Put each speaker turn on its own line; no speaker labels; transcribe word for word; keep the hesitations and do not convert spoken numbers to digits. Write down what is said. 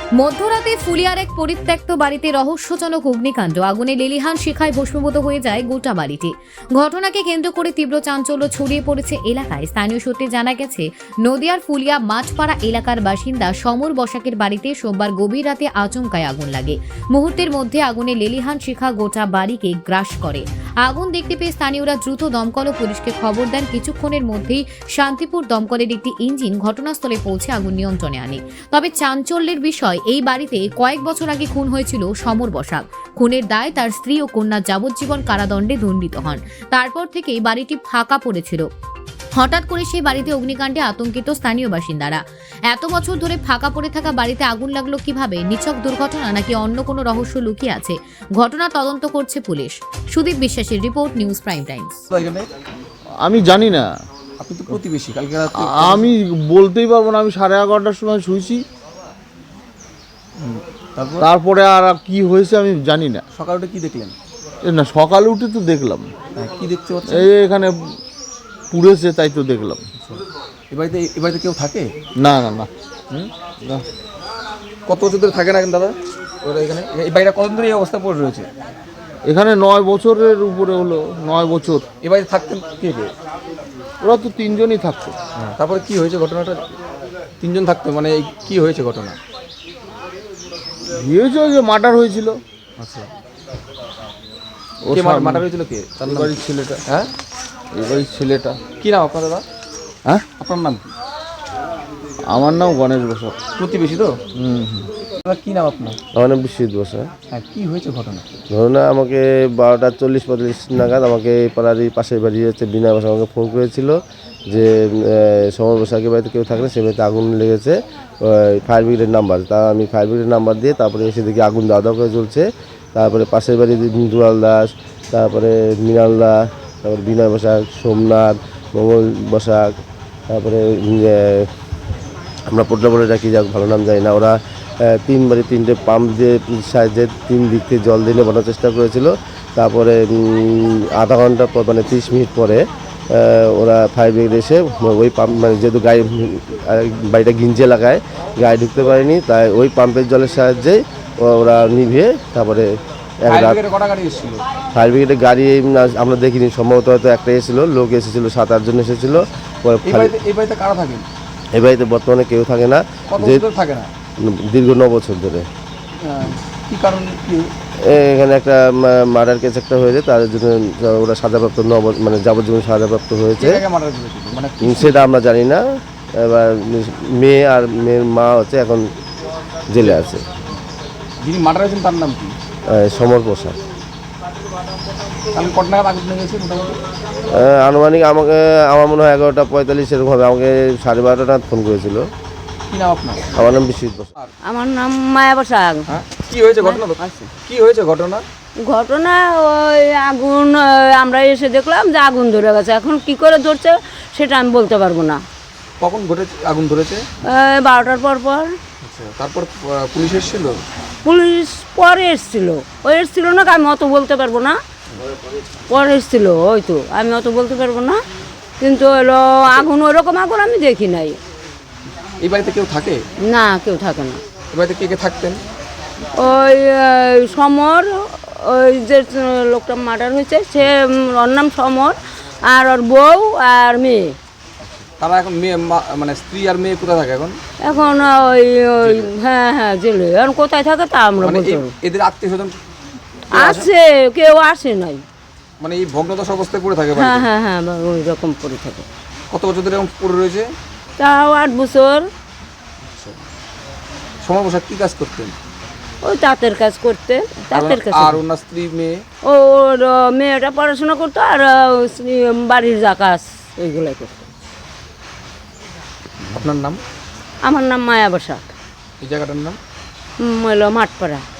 মধ্যরাতে ফুলিয়ার এক পরিত্যক্ত বাড়িতে রহস্যজনক অগ্নিকাণ্ড। আগুনে লেলিহান শিখায় ভস্মীভূত হয়ে যায় গোটা বাড়িটি। ঘটনাকে কেন্দ্র করে তীব্র চাঞ্চল্য ছড়িয়ে পড়েছে এলাকায়। স্থানীয় সূত্রে জানা গেছে, নদিয়ার ফুলিয়া মাঠপাড়া এলাকার বাসিন্দা সমর বসাকের বাড়িতে সোমবার গভীর রাতে আচমকায় আগুন লাগে। মুহূর্তের মধ্যে আগুনে লেলিহান শিখা গোটা বাড়িকে গ্রাস করে। আগুন দেখতে পেয়ে স্থানীয়রা দ্রুত দমকল ও পুলিশকে খবর দেন। কিছুক্ষণের মধ্যেই শান্তিপুর দমকলের একটি ইঞ্জিন ঘটনাস্থলে পৌঁছে আগুন নিয়ন্ত্রণে আনে। তবে চাঞ্চল্যের বিষয়, এই বাড়িতে কয়েক বছর আগে খুন হয়েছিল সমর বসাক। খুনের দায় তার স্ত্রী ও কন্যা যাবজ্জীবন কারাদণ্ডে দণ্ডিত হন। তারপর থেকেই বাড়িটি ফাঁকা পড়েছিল। হঠাৎ করে সেই বাড়িতে অগ্নিকাণ্ডে আতঙ্কিত স্থানীয় বাসিন্দারা। এত বছর ধরে ফাঁকা পড়ে থাকা বাড়িতে আগুন লাগলো কিভাবে? নিছক দুর্ঘটনা নাকি অন্য কোনো রহস্য লুকিয়ে আছে? ঘটনা তদন্ত করছে পুলিশ। সুদীপ বিশ্বাসের রিপোর্ট, নিউজ প্রাইম টাইমস।
আমি জানি না,
আপনি তো প্রতিবেশী। কালকে রাতে
আমি বলতেই পারবো না। আমি সাড়ে এগারোটার সময় শুয়েছি,
তারপর
তারপরে আর কি হয়েছে আমি জানি না।
সকালে উঠে কি দেখলেন?
এ না, সকালে উঠে তো দেখলাম
হ্যাঁ, কি দেখতে পাচ্ছেন?
এই এখানে পুড়েছে, তাই তো দেখলাম।
এ বাড়িতে এ বাড়িতে কেউ থাকে?
না না না
হুম?
না।
কত বছর ধরে থাকে না কেন দাদা ওরা এখানে? এই বাড়িটা কতদিন ধরে এই অবস্থা পড়ে রয়েছে?
এখানে নয় বছরের উপরে হলো, নয় বছর।
এ বাড়িতে থাকতেন কে কে?
ওরা তো তিনজনই থাকতো।
হ্যাঁ, তারপরে কি হয়েছে ঘটনাটা? তিনজন থাকতো, মানে এই কি হয়েছে ঘটনা?
হয়েছে যে মার্ডার হয়েছিল।
আচ্ছা,
ও
কে মার্ডার হয়েছিল? কে? তার
এই
নাম?
বাড়ির ছেলেটা।
হ্যাঁ,
এই বাড়ির ছেলেটা।
কি নাম আপনার দাদা?
হ্যাঁ,
আপনার নাম কি?
আমার নাম গণেশ বসাক।
প্রতিবেশী তো?
হুম হুম।
দাদা কি নাম আপনার?
আমার নাম বিশ্বজিৎ বসা।
হ্যাঁ, কি হয়েছে ঘটনা?
ধরুন না, আমাকে বারোটা চল্লিশ পঁয়তাল্লিশ নাগাদ আমাকে পাড়ারই পাশের বাড়ি হচ্ছে বিনা বসা আমাকে ফোন করেছিল যে সমর বসাকের বাড়িতে কেউ থাকলে সে বাড়িতে আগুন লেগেছে, ফায়ার ব্রিগেডের নাম্বার। তা আমি ফায়ার ব্রিগেডের নাম্বার দিয়ে তারপরে এসে দেখি আগুন দাওয়া দাওয়া করে চলছে। তারপরে পাশের বাড়ি দুলাল দাস, তারপরে মৃণাল দাস, তারপরে বিনয় বসাক, সোমনাথ, মঙ্গল বসাক, তারপরে আমরা পোটলা বলে ডাকি, যাক ভালো নাম যায় না। ওরা তিনবারে তিনটে পাম্প দিয়ে সাহায্যে তিন দিক থেকে জল দিয়ে নেবানোর চেষ্টা করেছিল। তারপরে আধা ঘন্টা পর মানে তিরিশ মিনিট পরে ওরা ফায়ার ব্রিগেড এসে ওই পাম্প, মানে যেহেতু গায়ে বাড়িটা গিঞ্জে লাগায়, গায়ে ঢুকতে পারেনি, তাই ওই পাম্পের জলের সাহায্যে ওরা নিভিয়ে তারপরে এক রাত। ফায়ার ব্রিগেডের গাড়ি আমরা দেখিনি, সম্ভবত হয়তো একটা এসেছিলো, লোক এসেছিলো, সাত আটজন এসেছিলো।
এই বাড়িতে কারা থাকেন?
এই বাড়িতে বর্তমানে কেউ থাকে না, যে
থাকে না
দীর্ঘ ন বছর ধরে।
কি কারণ?
এখানে একটা মার্ডার কেস একটা হয়েছে, তার জন্য ওরা সাজাপ্রাপ্ত ন মানে যাবজ্জীবন সাজাপ্রাপ্ত হয়েছে, সেটা আমরা জানি না। এবার মেয়ে আর মেয়ের মা হচ্ছে এখন জেলে আছে।
যিনি মার্ডার হয়েছেন তার নাম কি?
সমর প্রসাদ।
কত নাগাদ আগুন লেগেছে মোটামুটি?
আনুমানিক আমাকে আমার মনে হয় এগারোটা পঁয়তাল্লিশ এরকম হবে। আমাকে সাড়ে বারোটা নাগাদ ফোন করেছিল।
কি নাম আপনার?
আমার নাম বিশ্বজিৎ বসাক।
আমার নাম মায়া বসাক।
হ্যাঁ, কি হয়েছে ঘটনা? কি হয়েছে ঘটনা?
ঘটনা ওই আগুন, আমরা এসে দেখলাম যে আগুন ধরে গেছে। এখন কি করে ধরছে সেটা আমি বলতে পারবো না।
কখন ঘটেছে আগুন ধরেছে?
বারোটার পর পর।
আচ্ছা, তারপর পুলিশ এসেছিল?
পুলিশ পরে এসছিল। ওই এসছিল না, আমি অত বলতে পারবো না। পরে এসছিল ওই তো, আমি অত বলতে পারবো না। কিন্তু হলো আগুন, ওইরকম আগুন আমি দেখি নাই।
এই বাড়িতে কেউ থাকে
না, কেউ থাকে না।
এই বাড়িতে কে কে থাকতেন?
ওই সমর, ওই যে লোকটা মার্ডার হয়েছে সে, ওর নাম সমর, আর ওর বউ আর মেয়ে।
তারা এখন মেয়ে মানে স্ত্রী আর মেয়ে কোথায় থাকে এখন?
এখন ওই ওই হ্যাঁ হ্যাঁ জেলে। এখন কোথায় থাকে তা আমরা বলতে পারবো।
এদের আত্মীয় স্বজন
আছে, কেউ আসে নাই।
মানে এই ভগ্নদশা অবস্থায় পড়ে থাকে?
হ্যাঁ হ্যাঁ হ্যাঁ ওই রকম পড়ে থাকে।
কত বছর ধরে এরকম পড়ে রয়েছে?
তাও আট বছর।
সমর বসাক কি কাজ করতেন?
ওই তাঁতের কাজ করতে, তাঁতের কাজ।
আর ওনার স্ত্রী মেয়ে?
ওর মেয়েটা পড়াশোনা করতো, আর বাড়ির যা কাজ ওইগুলাই করতো।
আপনার নাম?
আমার নাম মায়া বসাক।
এই জায়গাটার নাম
হলো মাঠপাড়া।